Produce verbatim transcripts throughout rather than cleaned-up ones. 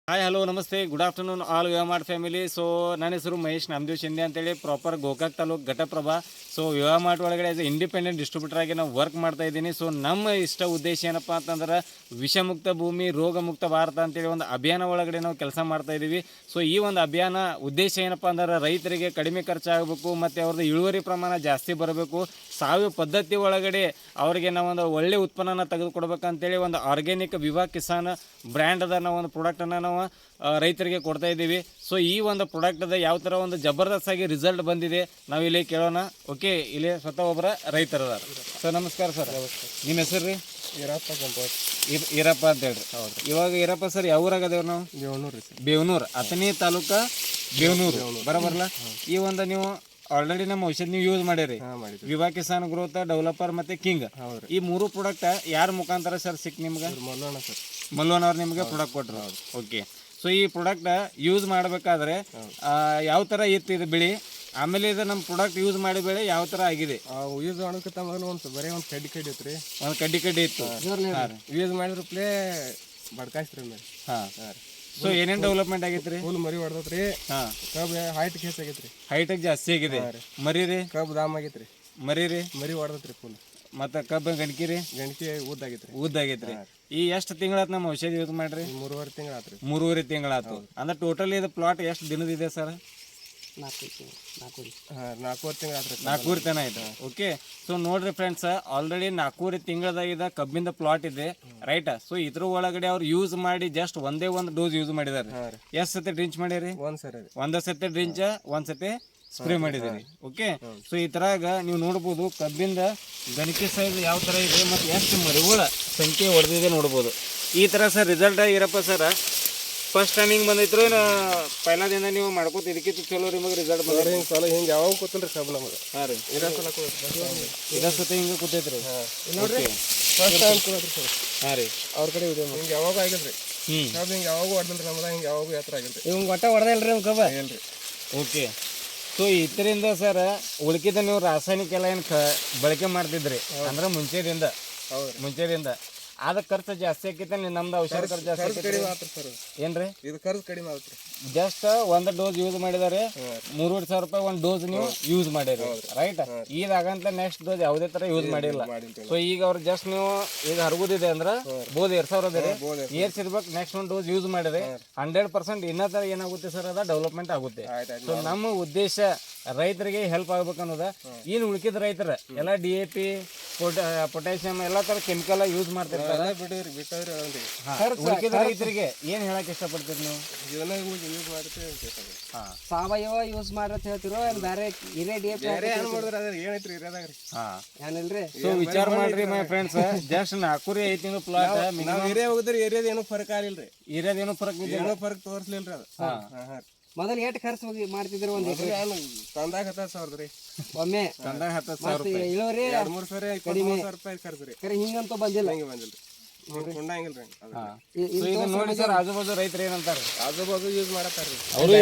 Hi hello ನಮಸ್ತೆ good afternoon all VivaMart family. So ನನ್ನ ಹೆಸರು ಮಹೇಶ್ ನಾಮದೇವ್ ಶಿಂದೆ ಅಂತೇಳಿ, proper Gokak taluk Ghataprabha. So VivaMart ಒಳಗಡೆ ಆಸ್ ಎ ಇಂಡಿಪೆಂಡೆಂಟ್ ಡಿಸ್ಟ್ರಿಬ್ಯೂಟರ್ ಆಗಿ ನಾವು ವರ್ಕ್ ಮಾಡ್ತಾ ಇದ್ದೀನಿ. ಸೊ ನಮ್ಮ ಇಷ್ಟ ಉದ್ದೇಶ ಏನಪ್ಪ ಅಂತಂದ್ರೆ ವಿಷಮುಕ್ತ ಭೂಮಿ ರೋಗ ಮುಕ್ತ ಭಾರತ ಅಂತೇಳಿ ಒಂದು ಅಭಿಯಾನ ಒಳಗಡೆ ನಾವು ಕೆಲಸ ಮಾಡ್ತಾ ಇದ್ದೀವಿ. ಸೊ ಈ ಒಂದು ಅಭಿಯಾನ ಉದ್ದೇಶ ಏನಪ್ಪ ಅಂದ್ರೆ ರೈತರಿಗೆ ಕಡಿಮೆ ಖರ್ಚಾಗಬೇಕು ಮತ್ತು ಅವ್ರದ್ದು ಇಳುವರಿ ಪ್ರಮಾಣ ಜಾಸ್ತಿ ಬರಬೇಕು, ಸಾವಯವ ಪದ್ಧತಿ ಒಳಗಡೆ ಅವರಿಗೆ ನಾವೊಂದು ಒಳ್ಳೆ ಉತ್ಪನ್ನನ ತೆಗೆದುಕೊಡ್ಬೇಕಂತೇಳಿ ಒಂದು ಆರ್ಗ್ಯಾನಿಕ್ ವಿವಾ ಕಿಸಾನ್ ಬ್ರ್ಯಾಂಡ್ ಅದ ನಾವು ಒಂದು ಪ್ರಾಡಕ್ಟನ್ನು ನಾವು ರೈತರಿಗೆ ಕೊಡ್ತಾ ಇದ್ದೀವಿ. ಸೊ ಈ ಒಂದು ಪ್ರಾಡಕ್ಟದ ಯಾವ ಥರ ಒಂದು ಜಬರ್ದಸ್ತ್ ಆಗಿ ರಿಸಲ್ಟ್ ಬಂದಿದೆ ನಾವು ಇಲ್ಲಿ ಕೇಳೋಣ. ಓಕೆ, ಇಲ್ಲಿ ಸ್ವತಃ ಒಬ್ಬರ ರೈತರದಾರ. ಸೊ ನಮಸ್ಕಾರ ಸರ್. ನಿಮ್ಮ ಹೆಸರು ರೀ? ಈರಪ್ಪ ಕಂಪೋಟ್ ಈರಪ್ಪ ಅಂತ ಹೇಳ್ರಿ. ಹೌದು. ಇವಾಗ ಈರಪ್ಪ ಸರ್ ಯಾವ ಊರಾಗದೇವ್ರಿ ನಾವು? ಬೇವನೂರು ರೀ. ಬೇವನೂರು, ಅಥಣಿ ತಾಲೂಕು ಬೇವನೂರು ಬರಬರಲ್ಲ. ಈ ಒಂದು ನೀವು ಆಲ್ರೆಡಿ ನಮ್ಮ ಔಷಧ ನೀವು ಯೂಸ್ ಮಾಡಿರಿ, ವಿವಾ ಕಿಸಾನ್ ಗ್ರೋತ್, ಡೆವಲಪರ್ ಮತ್ತೆ ಕಿಂಗ್. ಈ ಮೂರು ಪ್ರಾಡಕ್ಟ್ ಯಾರ ಮುಖಾಂತರ ಸರ್ ಸಿಕ್ ನಿಮ್ಗೆ? ಮಲ್ಲೋಣ ಸರ್. ಮಲ್ಲೋನ್ ಅವ್ರು ನಿಮಗೆ ಪ್ರಾಡಕ್ಟ್ ಕೊಟ್ಟರು. ಓಕೆ. ಸೊ ಈ ಪ್ರಾಡಕ್ಟ್ ಯೂಸ್ ಮಾಡಬೇಕಾದ್ರೆ ಯಾವ ಥರ ಇತ್ತು ಇದು ಬೆಳೆ, ಆಮೇಲೆ ಇದು ನಮ್ಮ ಪ್ರಾಡಕ್ಟ್ ಯೂಸ್ ಮಾಡಿ ಬೆಳೆ ಯಾವ ಥರ ಆಗಿದೆ? ಯೂಸ್ ಮಾಡೋಕ್ಕಿಂತ ಮೊದಲು ಒಂದು ಬರೀ ಒಂದು ಕಡ್ಡಿ ಕಡ್ಡಿ ಇತ್ತು ರೀ, ಒಂದು ಕಡ್ಡಿ ಕಡ್ಡಿ ಇತ್ತು. ಯೂಸ್ ಮಾಡಿದ್ರ ಪ್ಲೇ ಬಡ್ಕಾಯ್ಸ್ರಿ ಮೇಲೆ. ಹಾಂ. ಸೊ ಏನೇನು ಡೆವಲಪ್ಮೆಂಟ್ ಆಗೈತೆ ರೀ? ಫುಲ್ ಮರಿ ಹೊಡೆದತ್ರಿ. ಹಾಂ. ಕಬ್ಬು ಹೈಟ್ ಕೇಸ್ ಆಗೈತೆ ರೀ. ಹೈಟಾಗಿ ಜಾಸ್ತಿ ಆಗಿದೆ. ಮರಿ ರೀ? ಕಬ್ಬು ದಾಮ್ ಆಗೈತೆ ರೀ. ಮರಿ ರೀ? ಮರಿ ಹೊಡೆದತ್ರಿ ಫುಲ್. ಮತ್ತು ಕಬ್ಬು ಗಣಕಿ ರೀ? ಗಣಕಿ ಉದ್ದಾಗೈತೆ ರೀ. ಉದ್ದಾಗೈತೆ ರೀ. ಈ ಎಷ್ಟು ತಿಂಗಳಾತು ನಮ್ಮ ಔಷಧಿ ಯೂಸ್ ಮಾಡ್ರಿ? ಮೂರುವರೆ ತಿಂಗಳು ಆತು ರೀ. ಮೂರುವರೆ ತಿಂಗಳಾತು. ಅಂದ್ರೆ ಟೋಟಲ್ ಇದು ಪ್ಲಾಟ್ ಎಷ್ಟು ದಿನದಿದೆ ಸರ್? ನಾಲ್ಕು ಹಾಂ ನಾಲ್ಕೂವರೆ ತಿಂಗಳು ಆತು ರೀ. ನಾಲ್ಕೂವರೆ ತನ ಆಯ್ತು. ಓಕೆ. ಸೊ ನೋಡ್ರಿ ಫ್ರೆಂಡ್ಸ್, ಆಲ್ರೆಡಿ ನಾಲ್ಕೂವರೆ ತಿಂಗಳದಾಗ ಕಬ್ಬಿಂದ ಪ್ಲಾಟ್ ಇದೆ, ರೈಟ್? ಸೊ ಇದ್ರ ಒಳಗಡೆ ಅವ್ರು ಯೂಸ್ ಮಾಡಿ ಜಸ್ಟ್ ಒಂದೇ ಒಂದು ಡೋಸ್ ಯೂಸ್ ಮಾಡಿದಾರೆ. ಎಷ್ಟು ಸತಿ ಡ್ರಿಂಚ್ ಮಾಡಿರಿ? ಒಂದು ಸರಿ ಒಂದ ಸತಿ ಡ್ರಿಂಚ್, ಒಂದ್ ಸತಿ ಸ್ಪ್ರೇ ಮಾಡಿದ್ದೀರಿ. ಓಕೆ. ಸೊ ಈ ತರಾಗ ನೀವು ನೋಡ್ಬೋದು ಕಬ್ಬಿಂದ ಗಣಿಕೆ ಸೈಜ್ ಯಾವ ಥರ ಇದೆ ಮತ್ತು ಎಷ್ಟು ಮರಿಗಳ ಸಂಖ್ಯೆ ಹೊಡೆದಿದೆ ನೋಡ್ಬೋದು. ಈ ಥರ ಸರ್ ರಿಸಲ್ಟ್ ಇರಪ್ಪ ಸರ್. ಫಸ್ಟ್ ಟೈಮ್ ಹಿಂಗೆ ಬಂದೈತ್ರು ಏನು ಪೈಲಾದಿಂದ ನೀವು ಮಾಡ್ಕೋತ ಇದಕ್ಕಿಂತ ಚಲೋ ನಿಮಗೆ ರಿಸಲ್ಟ್ ಬಂದ್ರೆ? ಹಿಂಗೆ ಸಲ ಹಿಂಗೆ ಯಾವಾಗ ಕೂತಲ್ರಿ ಕಬ್ಬು ನಮಗೆ. ಹಾಂ ರೀ. ಇರೋ ಸಲ ಇದೇ ಸತಿ ಹಿಂಗೆ ಕೂತೈತ್ರಿ. ನೋಡ್ರಿ ಫಸ್ಟ್ ಟೈಮ್ ಕೂತ್ರಿ ಸರ್. ಹಾಂ ರೀ. ಅವ್ರ ಕಡೆ ಇದೆ ಹಿಂಗೆ ಯಾವಾಗ ಆಗಿಲ್ರಿ. ಹ್ಞೂ. ಕಬ್ಬು ಹಿಂಗೆ ಯಾವಾಗೂ ಹೊಡೆದಿಲ್ರಿ ನಮ್ದು, ಹಿಂಗೆ ಯಾವಾಗೂ ಯಾತ್ರ ಆಗಿಲ್ರಿ. ಇವಂಗೆ ಒಟ್ಟ ಹೊಡೆದಿಲ್ರಿ ನಮ್ಮ ಕಬ್ಬ? ಏನ್ರಿ. ಓಕೆ. ಸೊ ಇದರಿಂದ ಸರ್ ಉಳ್ಕಿದ ನೀವು ರಾಸಾಯನಿಕ ಎಲ್ಲ ಏನು ಕ ಬಳಕೆ ಮಾಡ್ತಿದ್ರಿ ಅಂದ್ರೆ ಮುಂಚೆದಿಂದ? ಹೌದು. ಮುಂಚೆದಿಂದ ಆದ ಖರ್ಚು ಜಾಸ್ತಿ ಆಕೈತೆ. ನಮ್ದು ಔಷಧ ಖರ್ಚು ಜಾಸ್ತಿ ಕಡಿಮೆ ಆತ್ರಿ ಸರ್. ಏನ್ರಿ? ಇದು ಖರ್ಚು ಕಡಿಮೆ ಆತ್ರಿ. ಜಸ್ಟ್ ಒಂದು ಡೋಸ್ ಯೂಸ್ ಮಾಡಿದಾರೆ, ಮೂರುವರೆ ಸಾವಿರ ರೂಪಾಯಿ ಒಂದು ಡೋಸ್ ನೀವು ಯೂಸ್ ಮಾಡಿರಿ, ರೈಟ್? ಇದಾಗಂತ ನೆಕ್ಸ್ಟ್ ಡೋಸ್ ಯಾವುದೇ ತರ ಯೂಸ್ ಮಾಡಿಲ್ಲ. ಸೊ ಈಗ ಅವ್ರು ಜಸ್ಟ್ ನೀವು ಈಗ ಹರಗುದಿದೆ ಅಂದ್ರೆ ಬೋದು ಎರಡ್ ಸಾವಿರ ಅದೇ ಏರ್ಸಿರ್ಬೇಕು, ನೆಕ್ಸ್ಟ್ ಒಂದು ಡೋಸ್ ಯೂಸ್ ಮಾಡಿದ್ರೆ ಹಂಡ್ರೆಡ್ ಪರ್ಸೆಂಟ್ ಇನ್ನೂ ತರ ಏನಾಗುತ್ತೆ ಸರ್, ಅದ ಡೆವಲಪ್ಮೆಂಟ್ ಆಗುತ್ತೆ. ಸೊ ನಮ್ಮ ಉದ್ದೇಶ ರೈತರಿಗೆ ಹೆಲ್ಪ್ ಆಗ್ಬೇಕು ಅನ್ನೋದ. ಏನು ಉಳ್ಕಿದ ರೈತರ ಎಲ್ಲ ಡಿ ಎ ಪಿ ಪೊಟ್ಯಾಸಿಯಂ ಎಲ್ಲ ತರ ಕೆಮಿಕಲ್ ಯೂಸ್ ಮಾಡ್ತಿರ್ತಾರೆ. ಉಳ್ಕಿದ ರೈತರಿಗೆ ಏನ್ ಹೇಳಕ್ ಇಷ್ಟಪಡ್ತೀರಿ ನೀವು? ಸಾವಯವ ಯೂಸ್ ಮಾಡ್ರತ್ ಹೇಳ್ತಿರೋ ಬೇರೆ ಹಿರೇ ಡಿ ಎ ಪಿ ಏನೈತ್ರಿ ಇರೋದಾಗ್ರಿ? ಏನಿಲ್ರಿ. ಸೊ ವಿಚಾರ ಮಾಡ್ರಿ ಮೈ ಫ್ರೆಂಡ್ಸ್, ಜಸ್ಟ್ ನಾಲ್ಕೂರಿ ಐದು ತಿಂಗಳು ಪ್ಲಾಟ್ ನಾವು ಏರಿಯಾ ಹೋಗಿದ್ರಿ, ಏರಿಯಾದ ಏನೂ ಫರಕ್ ಆಗಿಲ್ರಿ. ಇರೋದೇನು ಫರಕ್ ಏನೋ ಫರಕ್ ತೋರಿಸ್ಲಿಲ್ರಿ ಅದು. ಮೊದಲು ಎಷ್ಟು ಖರ್ಚು ಮಾಡ್ತಿದ್ರು ಒಂದು ತಂದಾಗ ಹತ್ತು ಸಾವಿರದ ರೀ ಒಮ್ಮೆ, ತಂದಾಗ ಹತ್ತು ಸಾವಿರ ರೂಪಾಯಿ ಇಳುವರಿ ಎರಡು ಮೂರು ಸಾವಿರ ಇಪ್ಪತ್ತು ಸಾವಿರ ರೂಪಾಯಿ ಖರ್ಚು ರೀ. ಕರೆ ಹಿಂಗಂತೂ ಬಂದಿಲ್ಲ. ಹಿಂಗೆ ಬಂದಿಲ್ರಿ, ಕೊಂಡಂಗಿಲ್ರಿ. ಈಗ ನೋಡಿ ಸರ್ ಆಜು ಬಾಜು ರೈತರು ಏನಂತಾರೆ, ಆಜು ಬಾಜು ಯೂಸ್ ಮಾಡತ್ತಾರ್ರಿ.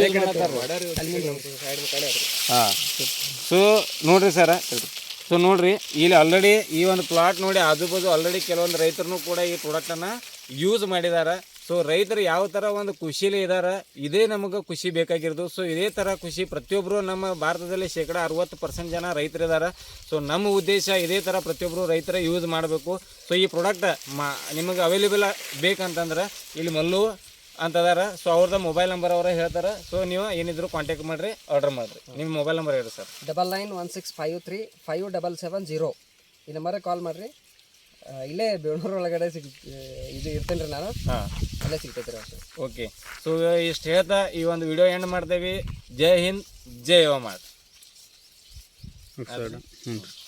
ಸೊ ನೋಡ್ರಿ ಸರ್, ಸೊ ನೋಡ್ರಿ ಇಲ್ಲಿ ಆಲ್ರೆಡಿ ಈ ಒಂದು ಪ್ಲಾಟ್ ನೋಡಿ ಆಜು ಬಾಜು ಆಲ್ರೆಡಿ ಕೆಲವೊಂದು ರೈತರು ಕೂಡ ಈ ಪ್ರಾಡಕ್ಟನ್ನು ಯೂಸ್ ಮಾಡಿದ್ದಾರೆ. ಸೊ ರೈತರು ಯಾವ ಥರ ಒಂದು ಖುಷಿಲಿ ಇದ್ದಾರೆ, ಇದೇ ನಮಗೆ ಖುಷಿ ಬೇಕಾಗಿರೋದು. ಸೊ ಇದೇ ಥರ ಖುಷಿ ಪ್ರತಿಯೊಬ್ಬರು ನಮ್ಮ ಭಾರತದಲ್ಲಿ ಶೇಕಡ ಅರವತ್ತು ಪರ್ಸೆಂಟ್ ಜನ ರೈತರಿದ್ದಾರೆ. ಸೊ ನಮ್ಮ ಉದ್ದೇಶ ಇದೇ ಥರ ಪ್ರತಿಯೊಬ್ಬರು ರೈತರ ಯೂಸ್ ಮಾಡಬೇಕು. ಸೊ ಈ ಪ್ರಾಡಕ್ಟ್ ಮಾ ನಿಮಗೆ ಅವೈಲೇಬಲ್ ಬೇಕಂತಂದ್ರೆ ಇಲ್ಲಿ ಮಲ್ಲು ಅಂತದಾರ. ಸೊ ಅವ್ರದ್ದು ಮೊಬೈಲ್ ನಂಬರ್ ಅವರ ಹೇಳ್ತಾರೆ. ಸೊ ನೀವು ಏನಿದ್ರು ಕಾಂಟ್ಯಾಕ್ಟ್ ಮಾಡಿರಿ, ಆರ್ಡರ್ ಮಾಡಿರಿ. ನಿಮ್ಮ ಮೊಬೈಲ್ ನಂಬರ್ ಹೇಳಿ sir. Double nine one six five three five double seven zero ಈ ನಂಬರಿಗೆ ಕಾಲ್ ಮಾಡಿರಿ. ಇಲ್ಲೇ ಬೇವನೂರು ಒಳಗಡೆ ಸಿಗ್ ಇದು ಇರ್ತೇನೆ ರೀ ನಾನು. ಹಾಂ, ಅಲ್ಲೇ ಸಿಗ್ತೈತೆ ರೀ ಅಷ್ಟೇ. ಓಕೆ. ಸೊ ಇಷ್ಟು ಹೇಳ್ತಾ ಈ ಒಂದು ವಿಡಿಯೋ ಎಂಡ್ ಮಾಡ್ತೇವೆ. ಜೈ ಹಿಂದ್, ಜೈ ಯುವ ಮಾರ್ಟ್.